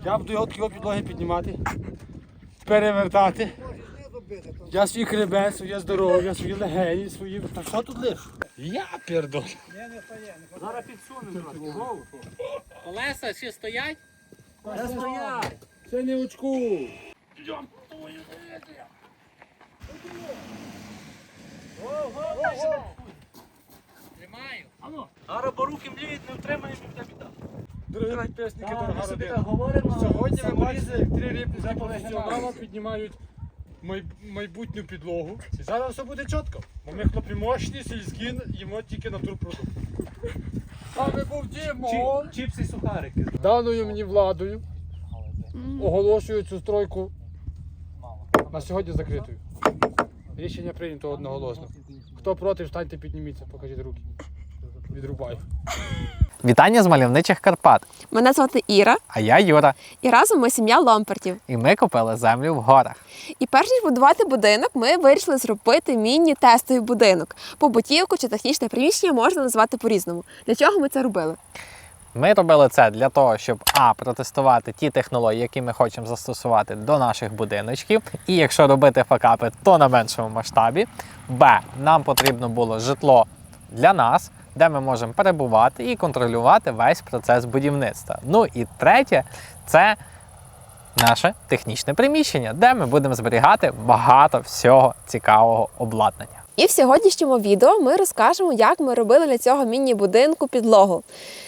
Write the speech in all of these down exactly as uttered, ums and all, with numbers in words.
Я буду його такі підлоги піднімати, перевертати. Я свій хребет, своє здоров'я, свої легені, свої... Та що тут лиш? Я пердон. Зараз підсунемо трохи. Колеса ще стоять? Ще стоять. Це не очку. Тримаю. Зараз бо руки мліють, не втримаємо і буде біда. Дорогі підписники, Так, дорога ми собі родина. так говоримо, Сьогодні ви саморізи бачите, як три рибні вже професіонала повигинали. піднімають май- майбутню підлогу. І зараз все буде чітко. Бо ми хлопці мощні, сільські, їмо тільки натурпродукт. Саме був Дімон. Чіпси і сухарики. Даною мені владою оголошую цю стройку на сьогодні закритою. Рішення прийнято одноголосно. Хто проти, встаньте, підніміться, покажіть руки. Відрубаю. Вітання з мальовничих Карпат. Мене звати Іра, А я Юра. і разом ми сім'я Ломпертів. І ми купили землю в горах. І перш ніж будувати будинок, ми вирішили зробити міні-тестовий будинок. Побутівку чи технічне приміщення можна назвати по-різному. Для чого ми це робили? Ми робили це для того, щоб а. протестувати ті технології, які ми хочемо застосувати до наших будиночків. І якщо робити факапи, то на меншому масштабі. Б. Нам потрібно було житло для нас, де ми можемо перебувати і контролювати весь процес будівництва. Ну і третє, це наше технічне приміщення, де ми будемо зберігати багато всього цікавого обладнання. І в сьогоднішньому відео ми розкажемо, як ми робили для цього міні-будинку підлогу.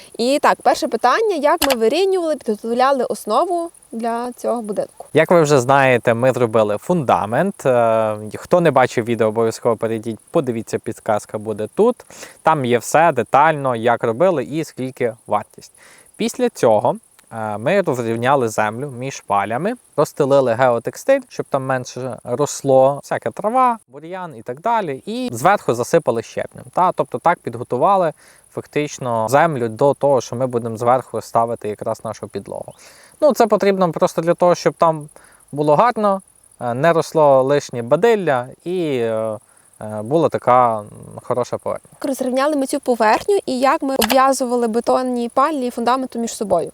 І так, перше питання, як ми вирівнювали, підготовляли основу для цього будинку. Як ви вже знаєте, ми зробили фундамент. Е, Хто не бачив відео, обов'язково перейдіть, подивіться, підказка буде тут. Там є все детально, як робили і скільки вартість. Після цього е, ми розрівняли землю між палями, розстелили геотекстиль, щоб там менше росло, всяка трава, бур'ян і так далі. І зверху засипали щебнем. Та? Тобто так підготували фактично землю до того, що ми будемо зверху ставити якраз нашу підлогу. Ну, це потрібно просто для того, щоб там було гарно, не росло лишнє бадилля і е, була така хороша поверхня. Як розрівняли ми цю поверхню і як ми обв'язували бетонні палі і фундаменту між собою.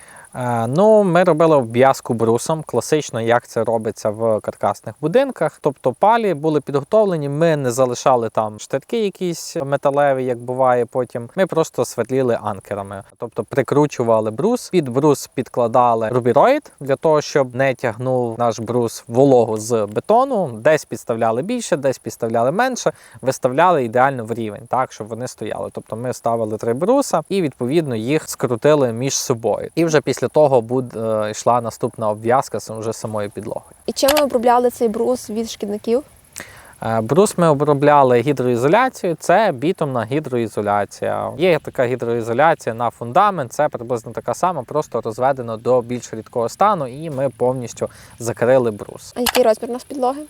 Е, ну, ми робили обв'язку брусом, класично, як це робиться в каркасних будинках. Тобто палі були підготовлені, ми не залишали там штирки якісь металеві, як буває потім. Ми просто свердліли анкерами. Тобто прикручували брус, під брус підкладали рубіроїд, для того, щоб не тягнув наш брус вологу з бетону. Десь підставляли більше, десь підставляли менше, виставляли ідеально в рівень, так, щоб вони стояли. Тобто ми ставили три бруса і, відповідно, їх скрутили між собою. І вже після Після того буде, е, йшла наступна обв'язка вже самою підлогою. І чим ми обробляли цей брус від шкідників? Е, брус ми обробляли гідроізоляцією, це бітумна гідроізоляція. Є така гідроізоляція на фундамент, це приблизно така сама, просто розведено до більш рідкого стану, і ми повністю закрили брус. А який розмір у нас підлоги?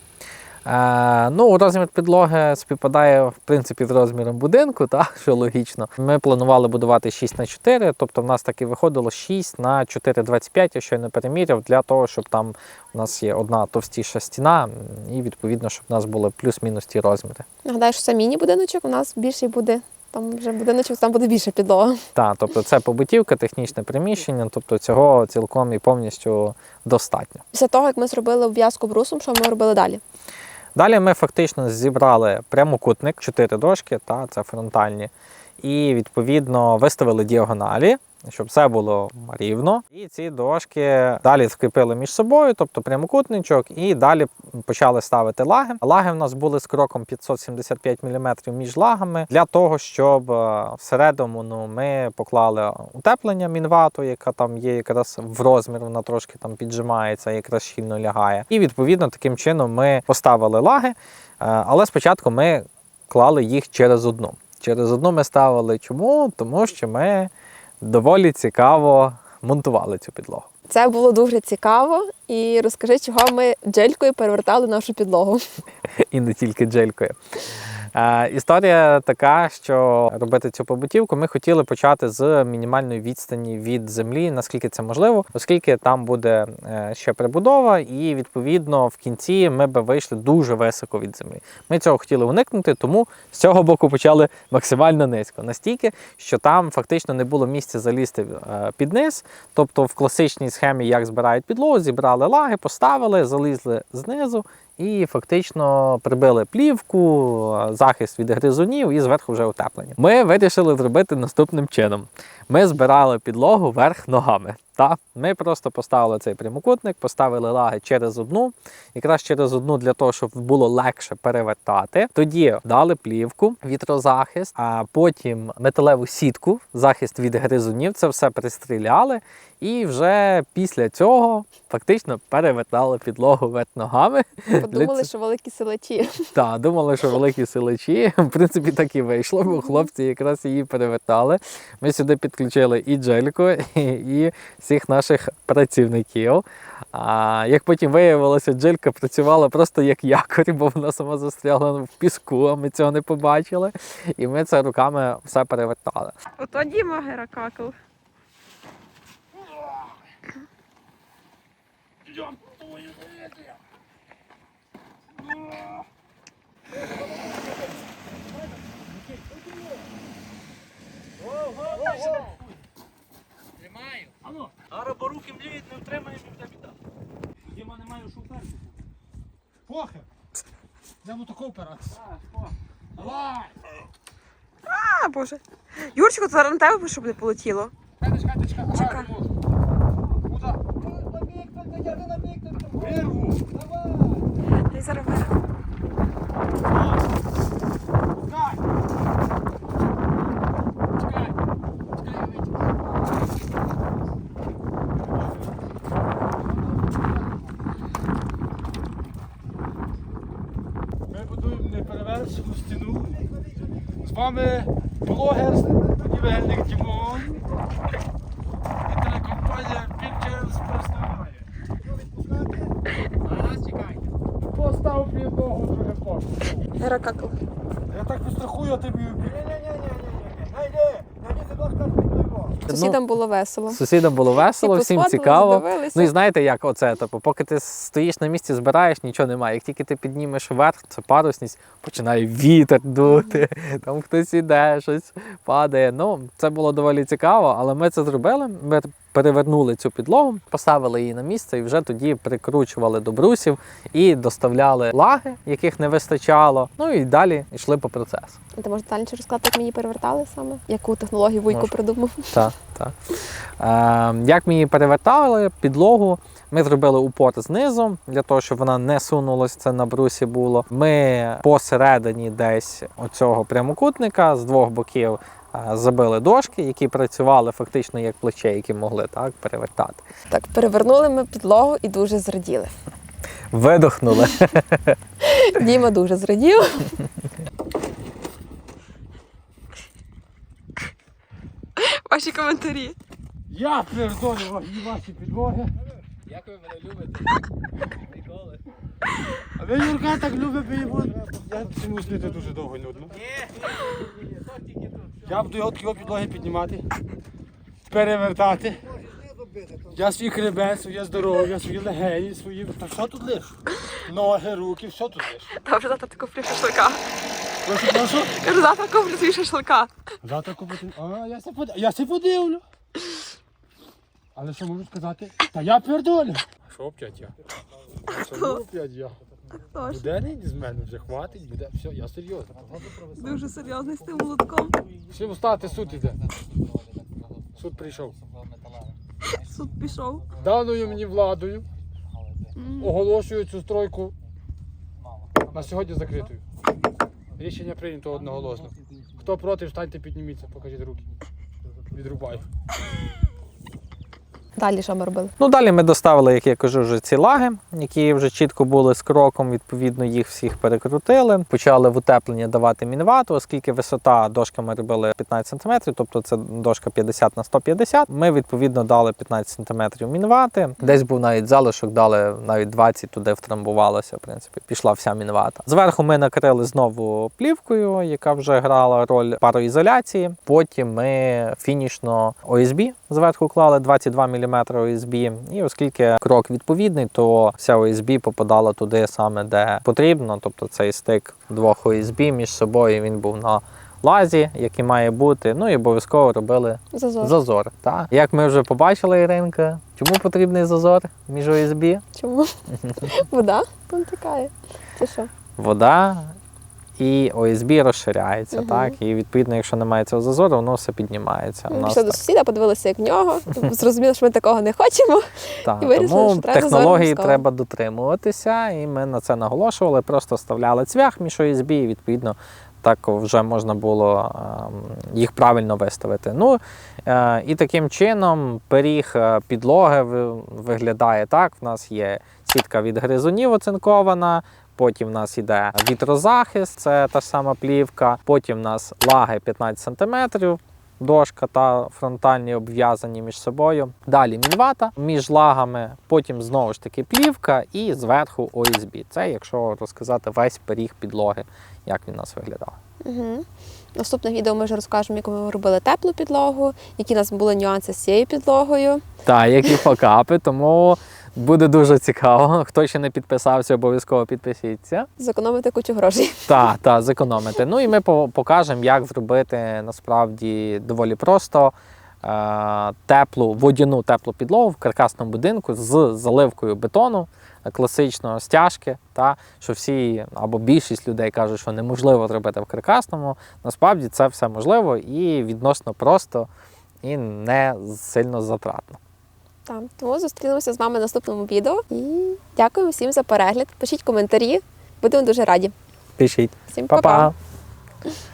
Е, ну, розмір підлоги співпадає, в принципі, з розміром будинку, так, що логічно. Ми планували будувати шість на чотири, тобто в нас так і виходило шість на чотири двадцять п'ять, я щойно переміряв, для того, щоб там у нас є одна товстіша стіна, і, відповідно, щоб у нас були плюс-мінус ті розміри. Нагадаю, що це міні-будиночок, у нас більший буде, там вже будиночок, там буде більша підлога. Так, тобто це побутівка, технічне приміщення, тобто цього цілком і повністю достатньо. Після того, як ми зробили обв'язку брусом, що ми робили далі? Далі ми фактично зібрали прямокутник, чотири дошки, та, це фронтальні, і відповідно виставили діагоналі, щоб все було рівно. І ці дошки далі скріпили між собою, тобто прямокутничок, і далі почали ставити лаги. Лаги в нас були з кроком п'ятсот сімдесят п'ять міліметрів між лагами, для того, щоб всередину ну, ми поклали утеплення мінвату, яка там є якраз в розмір, вона трошки там піджимається, якраз щільно лягає. І відповідно таким чином ми поставили лаги, але спочатку ми клали їх через одну. Через одну ми ставили чому? Тому що ми доволі цікаво монтували цю підлогу. Це було дуже цікаво. І розкажи, чого ми джелькою перевертали нашу підлогу. І не тільки джелькою. Е, історія така, що робити цю побутівку ми хотіли почати з мінімальної відстані від землі, наскільки це можливо, оскільки там буде е, ще прибудова, і відповідно в кінці ми би вийшли дуже високо від землі. Ми цього хотіли уникнути, тому з цього боку почали максимально низько. Настільки, що там фактично не було місця залізти е, під низ. Тобто в класичній схемі, як збирають підлогу, зібрали лаги, поставили, залізли знизу і фактично прибили плівку, захист від гризунів і зверху вже утеплення. Ми вирішили зробити наступним чином. Ми збирали підлогу вверх ногами. Та? Ми просто поставили цей прямокутник, поставили лаги через одну, якраз через одну для того, щоб було легше перевертати. Тоді дали плівку, вітрозахист, а потім металеву сітку, захист від гризунів, це все пристріляли. І вже після цього фактично перевертали підлогу вверх ногами. Подумали, що великі силачі. Так, думали, що великі силачі. В принципі, так і вийшло, бо хлопці якраз її перевертали. Ми сюди підключили і Джельку, і всіх наших працівників. А як потім виявилося, Джелька працювала просто як якорь, бо вона сама застрягла в піску, а ми цього не побачили. І ми це руками все перевертали. Ото Діма Геракакл. Тримаю. Зараз бо руки мліють, не втримаємо і буде біда. Діма не має шуферку. Похер. Йдемо таку опиратися. Давай! А, Боже. Юрчику, зараз на тебе щоб не полетіло. Чекай, чекай, чекай. Ага, Чекай. не можу. Куда? Вирву. Давай. Ти зараз вирву. Чекай. Чекай. Чекай, я витягну. Ми будуємо неперевершену стіну. З вами блогер, будівельник Дімон і телекомпанія Pictures представляє. Зараз чекай. Постав підлогу, друге пошту. Геракакл. Я так пострахую, а ти мій Сусідам було весело. Сусідам було весело, Всі всім посходили, цікаво. здивилися. Ну і знаєте, як оце, типу, поки ти стоїш на місці, збираєш, нічого немає. Як тільки ти піднімеш вверх, це парусність, починає вітер дути, там хтось іде, щось падає. Ну, це було доволі цікаво, але ми це зробили. Ми перевернули цю підлогу, поставили її на місце і вже тоді прикручували до брусів і доставляли лаги, яких не вистачало. Ну і далі йшли по процесу. Ти можеш детальніше розказати, як ми її перевертали саме? Яку технологію Вуйко Можу. придумав? Так, так. Е, як ми її перевертали, підлогу, ми зробили упор знизу, для того, щоб вона не сунулась, це на брусі було. Ми посередині десь оцього прямокутника з двох боків е, забили дошки, які працювали фактично як плече, які могли так перевертати. Так, перевернули ми підлогу і дуже зраділи. Видохнули. Діма дуже зрадів. Ваші коментарі. Я передолю ваші підлоги. Як ви мене любите? Ніколи. А ви, Юрка, так любите його. Я цьому снити дуже довго нудно. Ні, ні, ні, то тільки тут. Я буду його такі підлоги піднімати, перевертати. Я свій хребет, своє здоров'я, свої легені, свої. Та що тут лиш? Ноги, руки, все тут лиш. Та вже завтра ти куплю шашлика. Прошу, прошу. Кажу, завтра куплю свій шашлика. Завтра купити. А, я се подивлю. Я се подивлю. Але що можу сказати? Та я пердолю. Що опять я? Що опять я? Буде не з мене вже хватить, буде. Все, я серйозно. Дуже серйозний з тим молотком. Всім встати, суд іде. Суд прийшов. Суд пішов. Даною мені владою оголошую цю стройку на сьогодні закритою. Рішення прийнято одноголосно. Хто проти, встаньте, підніміться, покажіть руки. Відрубаю. Далі що ми робили? Ну, далі ми доставили, як я кажу, вже ці лаги, які вже чітко були з кроком, відповідно, їх всіх перекрутили. Почали в утеплення давати мінвату, оскільки висота дошки ми робили п'ятнадцять сантиметрів, тобто це дошка п'ятдесят на сто п'ятдесят. Ми, відповідно, дали п'ятнадцять сантиметрів мінвати. Десь був навіть залишок, дали навіть двадцять, туди втрамбувалося, в принципі, пішла вся мінвата. Зверху ми накрили знову плівкою, яка вже грала роль пароізоляції. Потім ми фінішно о ес бі зверху клали двадцять два міліметри о ес бі. І оскільки крок відповідний, то вся о ес бі попадала туди саме, де потрібно. Тобто цей стик двох о ес бі між собою, він був на лазі, який має бути. Ну і обов'язково робили Зазор. зазор. Так. Як ми вже побачили, Іринка, чому потрібний зазор між о ес бі? Чому? Вода там тікає. Це що? Вода і о ес бі розширяється, Мгм. так? І відповідно, якщо немає цього зазору, воно все піднімається. У Ми нас пішли до так. сусіда, подивилися, як в нього. Зрозуміли, що ми такого не хочемо. Так, і вирішили, тому що треба технології обов'язково. треба дотримуватися, і ми на це наголошували, просто вставляли цвях між о ес бі, і відповідно так вже можна було е, їх правильно виставити. Ну, е, і таким чином пиріг е, підлоги ви- виглядає так. В нас є сітка від гризунів оцинкована, потім в нас йде вітрозахист, це та ж сама плівка, потім в нас лаги п'ятнадцять сантиметрів, дошка та фронтальні обв'язані між собою. Далі мінвата між лагами, потім знову ж таки плівка і зверху о ес бі. Це якщо розказати весь пиріг підлоги, як він у нас виглядав. Угу. Наступне відео ми вже розкажемо, як ми робили теплу підлогу, які у нас були нюанси з цією підлогою. Так, які факапи, тому буде дуже цікаво. Хто ще не підписався, обов'язково підпишіться. Зекономити кучу грошей. Так, так, зекономити. Ну і ми по- покажемо, як зробити насправді доволі просто е- теплу, водяну теплу підлогу в каркасному будинку з заливкою бетону, е, класичного стяжки. Та, що всі або більшість людей кажуть, що неможливо зробити в каркасному. Насправді це все можливо і відносно просто, і не сильно затратно. Так, тому зустрінемося з вами в наступному відео. І дякуємо всім за перегляд. Пишіть коментарі, будемо дуже раді. Пишіть. Всім па-па! Па-па!